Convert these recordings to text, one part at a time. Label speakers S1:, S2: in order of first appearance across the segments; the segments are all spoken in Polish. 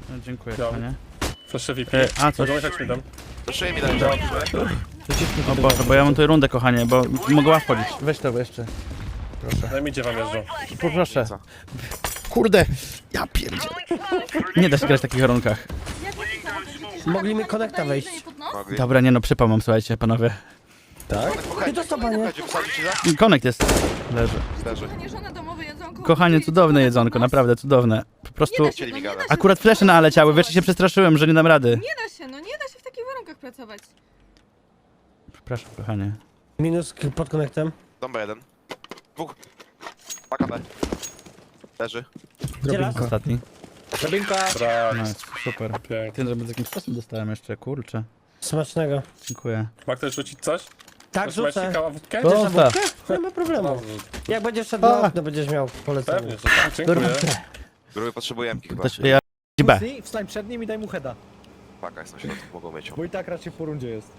S1: No, dziękuję,
S2: Ja.
S1: panie.
S2: Proszę VIP.
S1: A, coś.
S2: Mogę jechać mi dam.
S3: Proszę mi dać, dobrze.
S1: O Boże, bo ja mam tutaj rundę, kochanie, bo mogę łap wchodzić. Weź to jeszcze.
S2: Daj mi, gdzie wam jeżdżą.
S1: Poproszę. Kurde! Ja pierdzielę. Nie da się grać w takich warunkach.
S4: Mogli mi konekta wejść.
S3: Mogli.
S1: Dobra, nie no, przypał mam, słuchajcie, panowie.
S4: Ty to co, panie?
S3: Słuchajcie, posadzić ci za?
S1: Konekt jest. Leży.
S3: Leży.
S5: Żona domowe jedzonko.
S1: Kochanie, cudowne jedzonko, naprawdę cudowne. Po prostu...
S5: Nie da się,
S3: Chcieli
S5: no
S3: mi
S5: nie da
S3: gadać.
S5: się.
S1: Akurat flesze naleciały, wiesz, się przestraszyłem, że nie dam rady.
S5: Nie da się, no nie da się w takich warunkach pracować.
S1: Przepraszam, kochanie.
S4: Minus pod konektem.
S3: Dąba jeden. Dwóch. Paka B. Leży.
S4: Gdzie las?
S1: Ostatni.
S2: Brak.
S1: No, super.
S2: Pięknie.
S1: Ty, żeby z jakimś sposób dostałem jeszcze, kurczę.
S4: Smacznego.
S1: Dziękuję.
S2: Ma ktoś rzucić coś?
S4: Tak,
S2: Masz macie
S4: rzucę.
S2: kaławutkę?
S1: O,
S4: Chcesz na
S1: tak.
S4: wódkę? Nie ma problemu.
S2: Dobrze.
S4: Jak będziesz szedł na okno, będziesz miał polecenie.
S2: Pewnie, że tak. Dziękuję.
S3: Gruby potrzebuje MK chyba.
S1: Też, ja... B.
S6: Wstań przed nim i daj mu heada,
S3: Paka jest na środku, mogą mieć ją.
S6: bo i tak raczej po rundzie jest.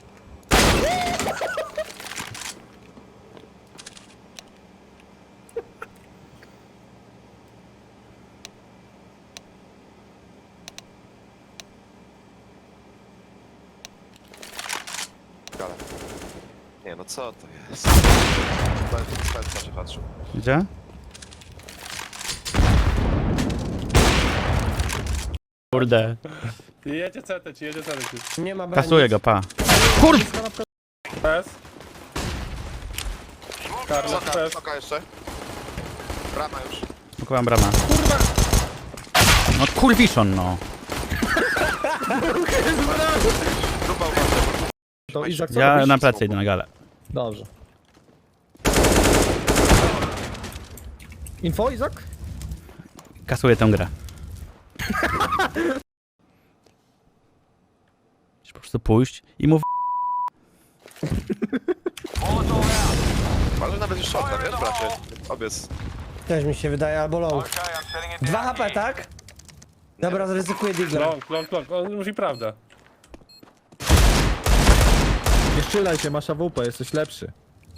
S3: Gala. Nie no co to jest? Ten się patrzył.
S1: Gdzie? Kurde.
S2: Jedzie CT ci, jedzie CT ci.
S4: Nie ma broni.
S1: Kasuję go, pa.
S2: PS. Karlo,
S3: Soka,
S2: PS.
S3: soka jeszcze. Brama już.
S1: Spokojam bramę. Kurwa! No kurwiszon, no.
S3: Gruba uważaj.
S6: To Izak co
S1: Ja
S6: robisz?
S1: na plecy idę na galę.
S6: Dobrze. Info, Izak?
S1: Kasuję tę grę. Po prostu pójść i mów...
S3: Ale nawet już shotgun, wiesz bracie? Obiec.
S4: Też mi się wydaje, albo low. 2 HP, tak? Dobra, zaryzykuję digla.
S2: Long. On mówi prawdę.
S6: Nie strzelaj się, masz AWP, jesteś lepszy.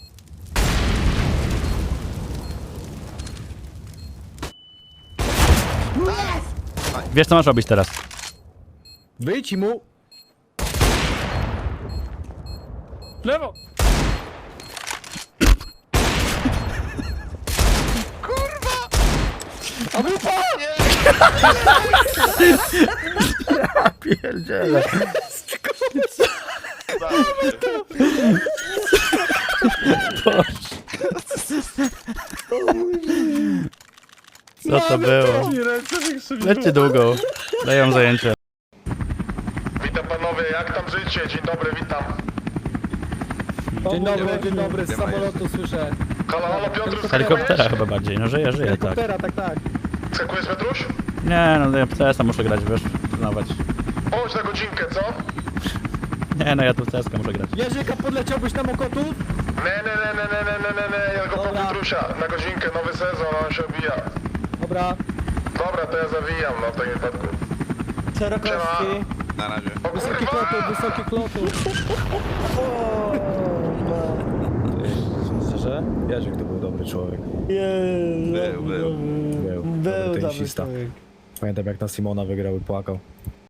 S1: Wiesz co masz robić teraz.
S6: Wyjdź i mu...
S2: Lewo!
S1: Pierdziele. Co to było? Lećcie długo. Daję zajęcie.
S7: Witam panowie, jak tam życie? Dzień dobry, witam.
S6: Dzień dobry, z samolotu słyszę.
S7: Halo, halo, Piotr,
S1: Z helikoptera chyba bardziej. No żyję, tak.
S6: Helikoptera, tak.
S7: skakujesz Petruś?
S1: Nie, no ja w CS-a muszę grać, wiesz, przyznawać.
S7: Chodź na godzinkę, co?
S1: Nie, no ja tu w CS-a muszę grać.
S6: Jerzyka, podleciałbyś na Mokotów?
S7: Nie, ja go po
S6: Dobra.
S7: Piotrusia. Na godzinkę, nowy sezon, on się obija.
S6: Dobra.
S7: Dobra, to ja zawijam, no w takim wypadku.
S4: Szerokowski.
S3: Na razie.
S7: O
S6: Wysoki
S7: kurwa!
S6: klotu, wysoki klotu. Szczerze? Jerzyk to był dobry człowiek.
S3: Był.
S4: Był dobry
S6: tenisista.
S4: człowiek.
S6: Pamiętam jak na Simona wygrał i płakał.